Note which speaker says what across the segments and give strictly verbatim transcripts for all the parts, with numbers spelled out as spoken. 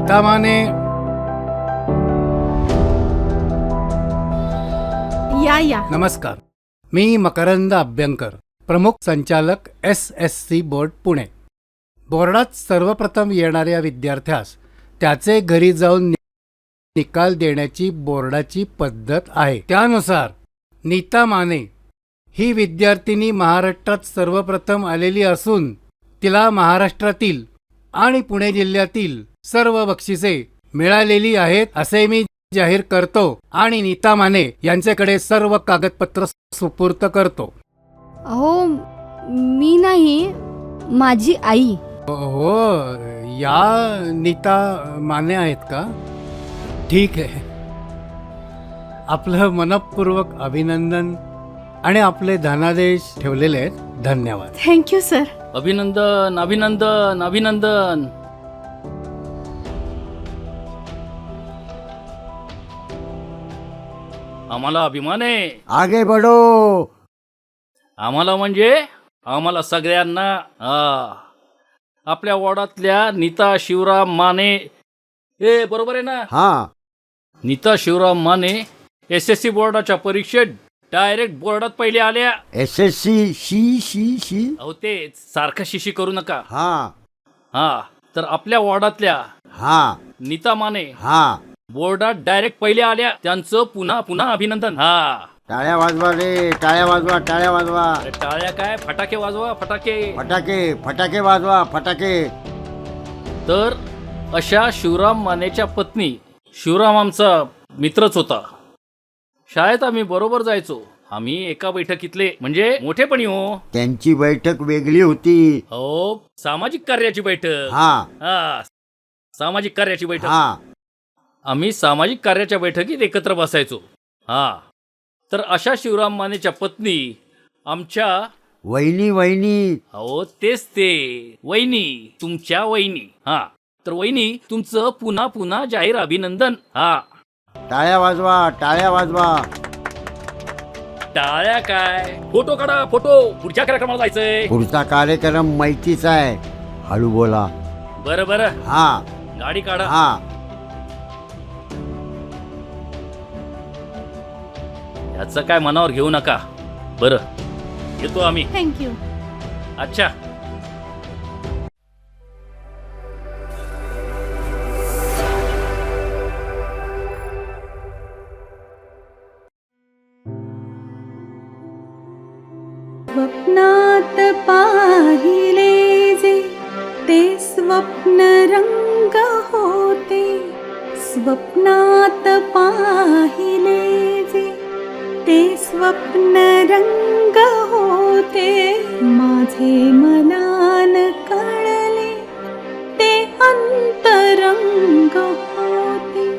Speaker 1: नीता माने.
Speaker 2: या या.
Speaker 1: नमस्कार. मी मकरंद अभ्यंकर, प्रमुख संचालक S S C board Pune. बोर्डात सर्वप्रथम येणाऱ्या विद्यार्थ्यास त्याचे घरी जाऊन निकाल देण्याची बोर्डाची पद्धत आहे. त्यानुसार नीता माने ही विद्यार्थिनी महाराष्ट्रात सर्वप्रथम आलेली असून तिला महाराष्ट्रातील आणि पुणे जिल्ह्यातील सर्व बक्षिसे मिळालेली आहेत असे मी जाहीर करतो आणि नीता माने यांच्याकडे सर्व कागदपत्र सुपूर्त करतो.
Speaker 2: अहो, मी नाही, माझी आई.
Speaker 1: हो, या नीता माने आहेत का? ठीक आहे. आपलं मनपूर्वक अभिनंदन आणि आपले धनादेश ठेवलेले आहेत. धन्यवाद.
Speaker 2: Thank you sir.
Speaker 3: अभिनंदन अभिनंदन अभिनंदन. आम्हाला अभिमान आहे.
Speaker 4: आगे बढो.
Speaker 3: आम्हाला म्हणजे आम्हाला सगळ्यांना. हा, आपल्या वॉर्डातल्या नीता शिवराम माने. ए बरोबर आहे ना?
Speaker 4: हा.
Speaker 3: Neeta Shivram Mane S S C बोर्डाच्या परीक्षेत डायरेक्ट बोर्डात पहिले आल्या.
Speaker 4: एस एस सी शी शी शी
Speaker 3: अहो ते सारखं शिशी करू नका.
Speaker 4: हा
Speaker 3: हा, तर आपल्या वॉर्डातल्या
Speaker 4: हा
Speaker 3: नीता माने
Speaker 4: हा
Speaker 3: बोर्डात डायरेक्ट पहिले आल्या. त्यांचं पुन्हा पुन्हा अभिनंदन. हा,
Speaker 4: टाळ्या वाजवा रे, टाळ्या वाजवा, टाळ्या वाजवा.
Speaker 3: अरे टाळ्या काय, फटाके वाजवा, फटाके.
Speaker 4: फटाके फटाके वाजवा, फटाके.
Speaker 3: तर अशा शिवराम मानेच्या पत्नी. शिवराम आमचा मित्रच होता. शाळेत आम्ही बरोबर जायचो. आम्ही एका बैठकीतले म्हणजे मोठेपणी. हो,
Speaker 4: त्यांची बैठक वेगळी होती.
Speaker 3: हो, सामाजिक कार्याची बैठक.
Speaker 4: हा
Speaker 3: हा, सामाजिक कार्याची बैठक.
Speaker 4: हा
Speaker 3: आम्ही सामाजिक कार्याच्या बैठकीत एकत्र बसायचो. हा, तर अशा शिवराम मानेच्या पत्नी आमच्या
Speaker 4: वहिनी वहिनी.
Speaker 3: हो तेच ते, वहिनी, तुमच्या वहिनी. हा, तर वहिनी तुमचं पुन्हा पुन्हा जाहीर अभिनंदन. हा,
Speaker 4: टाळ्या वाजवा, टाळ्या वाजवा.
Speaker 3: टाळ्या काय, फोटो काढा, फोटो. पुढच्या कार्यक्रमाला जायचंय.
Speaker 4: पुढचा कार्यक्रम माहितीचा आहे. हळू बोला.
Speaker 3: बरं बरं.
Speaker 4: हा
Speaker 3: गाडी काढा.
Speaker 4: हा
Speaker 3: याचं काय मनावर घेऊ नका. बरं, येतो आम्ही.
Speaker 2: थँक्यू.
Speaker 3: अच्छा.
Speaker 5: स्वप्नात पाहिले जे ते स्वप्न रंग होते. स्वप्नात पाहिले जे ते स्वप्न रंग होते. माझे मनान कळले ते अंतरंग होते.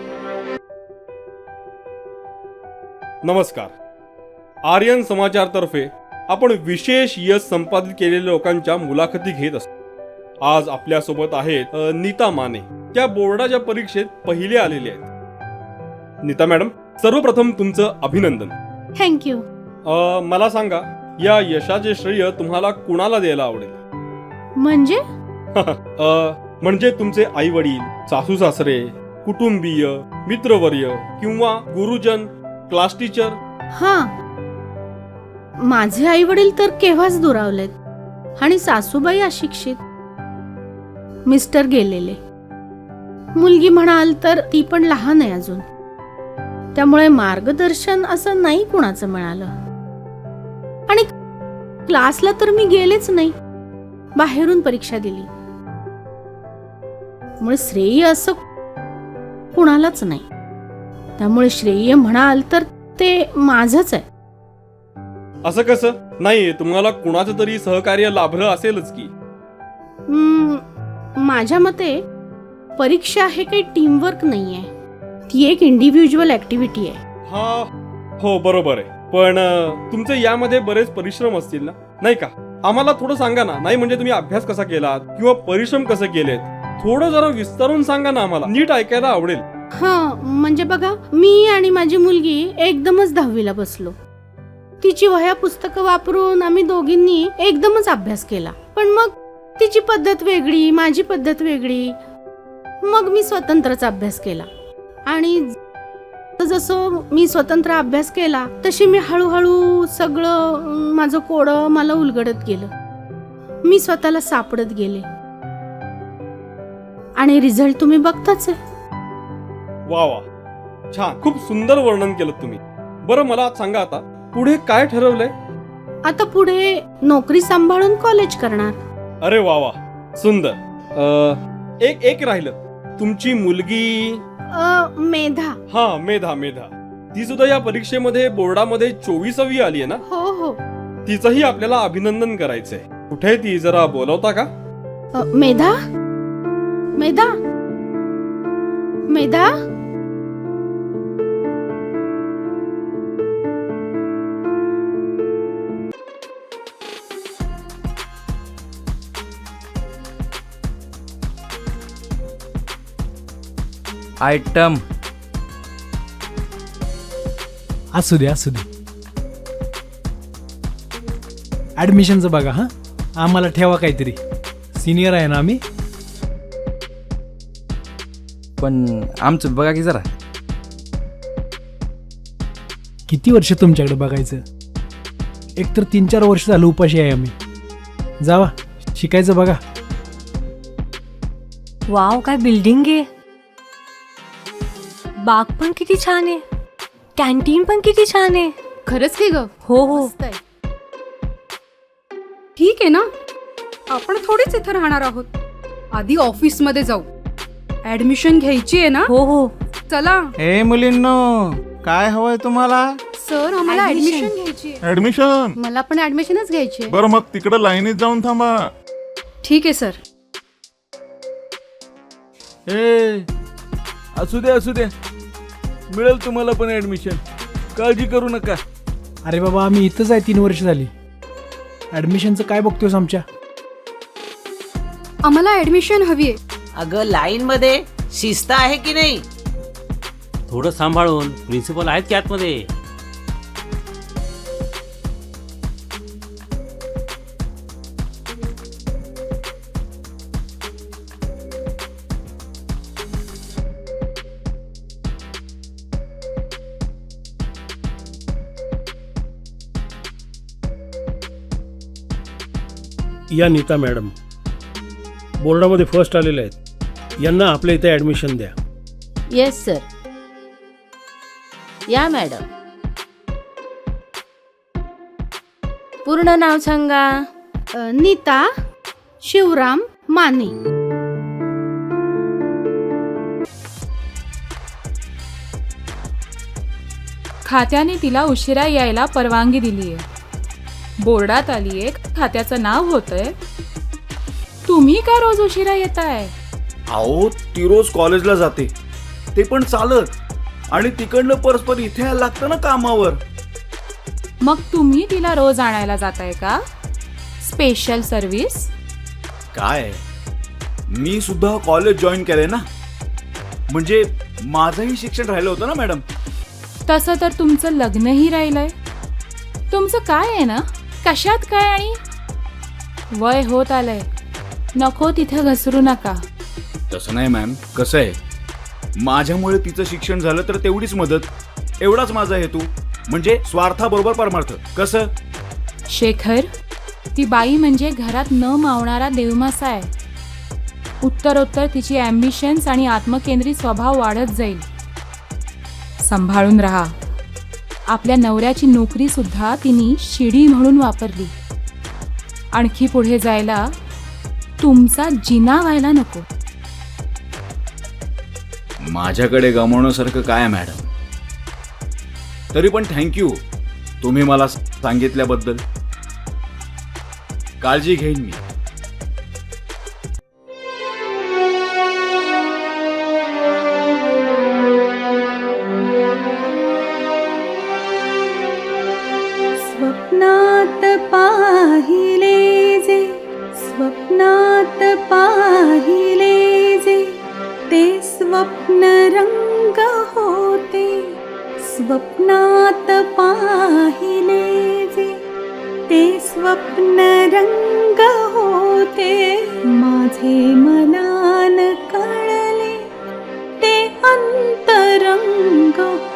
Speaker 6: नमस्कार. आर्यन समाचारतर्फे आपण विशेष यश संपादित केलेल्या लोकांच्या मुलाखती घेत असतो. आज आपल्यासोबत आहेत नीता माने. त्या बोर्डाच्या परीक्षेत पहिले आलेले आहेत. नीता मॅडम, सर्वप्रथम तुमचं अभिनंदन.
Speaker 2: थँक्यू.
Speaker 6: मला सांगा, या यशाचे श्रेय तुम्हाला कुणाला द्यायला आवडेल?
Speaker 2: म्हणजे
Speaker 6: अ, म्हणजे तुमचे आई वडील, सासू सासरे, कुटुंबीय, मित्रवर्य किंवा गुरुजन, क्लास टीचर.
Speaker 2: हा, माझे आई वडील तर केव्हाच दुरावलेत आणि सासूबाई अशिक्षित. मिस्टर गेलेले. मुलगी म्हणाल तर ती पण लहान आहे अजून. त्यामुळे मार्गदर्शन असं नाही कुणाचं मिळालं. आणि क्लासला तर मी गेलेच नाही, बाहेरून परीक्षा दिली. त्यामुळे श्रेय असं कुणालाच नाही. त्यामुळे श्रेय म्हणाल तर ते माझंच आहे.
Speaker 6: असं कसं? नाही, तुम्हाला कुणाचं तरी सहकार्य लाभलं असेलच की.
Speaker 2: माझ्या मते परीक्षा हे काही टीमवर्क नाहीये, ती एक इंडिव्हिज्युअल ऍक्टिव्हिटी आहे.
Speaker 6: हा, हो बरोबर आहे. पण तुमचे यामध्ये बरेच परिश्रम असतील ना, नाही का? आम्हाला थोडं सांगा ना. नाही म्हणजे तुम्ही अभ्यास कसा केलात किंवा परिश्रम कसे केलेत, थोडं जरा विस्तारून सांगा ना, आम्हाला नीट ऐकायला आवडेल.
Speaker 2: हा, म्हणजे बघा, मी आणि माझी मुलगी एकदमच दहावीला बसलो. तिची वह्या पुस्तकं वापरून आम्ही दोघींनी एकदमच अभ्यास केला. पण मग तिची पद्धत वेगळी, माझी पद्धत वेगळी. मग मी स्वतंत्रच अभ्यास केला आणि जसं मी स्वतंत्र अभ्यास केला तशी मी हळूहळू सगळं अं, माझं कोडं मला उलगडत गेलं. मी स्वतःला सापडत गेले आणि रिझल्ट तुम्ही बघताच आहे.
Speaker 6: वा वा, छान, खूप सुंदर वर्णन केलं तुम्ही. बरं मला सांगा आता पुढे काय ठरवलंय?
Speaker 2: आता पुढे नोकरी सांभाळून कॉलेज करणार.
Speaker 6: अरे वा वा, सुंदर. अ, एक एक राहिलं, तुमची मुलगी.
Speaker 2: अ, मेधा.
Speaker 6: हा, मेधा मेधा ती सुद्धा या परीक्षेमध्ये बोर्डामध्ये चोवीसावी आली आहे ना?
Speaker 2: हो हो.
Speaker 6: तिचंही आपल्याला अभिनंदन करायचंय. कुठे ती, जरा बोलवता का?
Speaker 2: अ, मेधा मेधा मेधा
Speaker 7: आयटम
Speaker 8: असू दे असू दे. ॲडमिशनचं बघा हां, आम्हाला ठेवा काहीतरी, सिनियर आहे ना आम्ही.
Speaker 7: पण आमचं बघा की जरा.
Speaker 8: किती वर्ष तुमच्याकडे बघायचं, एकतर तीन चार वर्ष झालं उपाशी आहे आम्ही. जावा शिकायचं बघा.
Speaker 9: वाव, काय बिल्डिंग आहे. बाग पण किती छान आहे, कॅन्टीन पण किती छान आहे.
Speaker 10: खरंच की ग.
Speaker 9: हो हो.
Speaker 10: ठीक आहे ना, आपण थोडीच इथं राहणार आहोत. आधी ऑफिस मध्ये जाऊ, ऍडमिशन घ्यायची आहे ना.
Speaker 9: हो हो.
Speaker 10: चला.
Speaker 11: ए मुलींनो, काय हवंय तुम्हाला?
Speaker 10: सर, आम्हाला
Speaker 9: Admission.
Speaker 10: ऍडमिशन घ्यायची आहे.
Speaker 11: ऍडमिशन?
Speaker 10: मला पण ऍडमिशनच घ्यायची आहे.
Speaker 11: बरं, मग तिकडे लाईनीत जाऊन थांबा.
Speaker 10: ठीक आहे सर.
Speaker 12: ए, असू दे असू दे, मिळेल तुम्हाला पण ऍडमिशन, काळजी करू नका.
Speaker 8: अरे बाबा, आम्ही इथंच आहे, तीन वर्ष झाली. ॲडमिशनचं काय बघतोस आमच्या?
Speaker 10: आम्हाला ऍडमिशन हवी आहे.
Speaker 13: अगं, लाईन मध्ये शिस्त आहे की नाही?
Speaker 3: थोडं सांभाळून, प्रिन्सिपल आहेत की आतमध्ये.
Speaker 14: या नीता मॅडम बोर्डामध्ये फर्स्ट आलेले आहेत, यांना आपल्या इथे ॲडमिशन द्या.
Speaker 15: Yes sir. या मॅडम, पूर्ण नाव सांगा.
Speaker 2: अ, नीता शिवराम माने.
Speaker 5: खात्याने तिला उशिरा यायला परवानगी दिली आहे. बोर्डात आली आहे, खात्याचं नाव होतंय. तुम्ही का रोज उशिरा येताय?
Speaker 12: अहो, ती रोज कॉलेजला जाते, ते पण चालत, आणि तिकडनं परस्पर इथे यायला लागतं ना कामावर.
Speaker 5: मग तुम्ही तिला रोज आणायला जाताय का? Special service?
Speaker 12: काय, मी सुद्धा कॉलेज जॉईन केलंय ना, म्हणजे माझंही शिक्षण राहिलं होतं ना मॅडम.
Speaker 5: तसं तर तुमचं लग्नही राहिलंय. तुमचं काय आहे ना, कशात काय, आणि वय होत आलंय, नको तिथे घसरू नका.
Speaker 12: तसं नाही मॅम, कसं आहे, माझ्यामुळे तिचं शिक्षण झालं तर तेवढीच मदत, एवढाच माझा हेतू, म्हणजे स्वार्थाबरोबर परमार्थ. कसं
Speaker 5: शेखर, ती बाई म्हणजे घरात न मावणारा देवमासा आहे. उत्तरोत्तर तिची ॲम्बिशन्स आणि आत्मकेंद्रित स्वभाव वाढत जाईल. सांभाळून राहा. आपल्या नवऱ्याची नोकरी सुद्धा तिने शिडी म्हणून वापरली. आणखी पुढे जायला तुमचा जिना व्हायला नको.
Speaker 12: माझ्याकडे गमावण्यासारखं काय आहे मॅडम? तरी पण थँक्यू तुम्ही मला सांगितल्याबद्दल. काळजी घेईन मी.
Speaker 5: स्वप्नात पाहिले जे, स्वप्नात पाहिले जे, ते स्वप्न रंग होते. स्वप्नात पाहिले जे, ते स्वप्न रंग होते. माझे मनान कळले,
Speaker 2: तरंग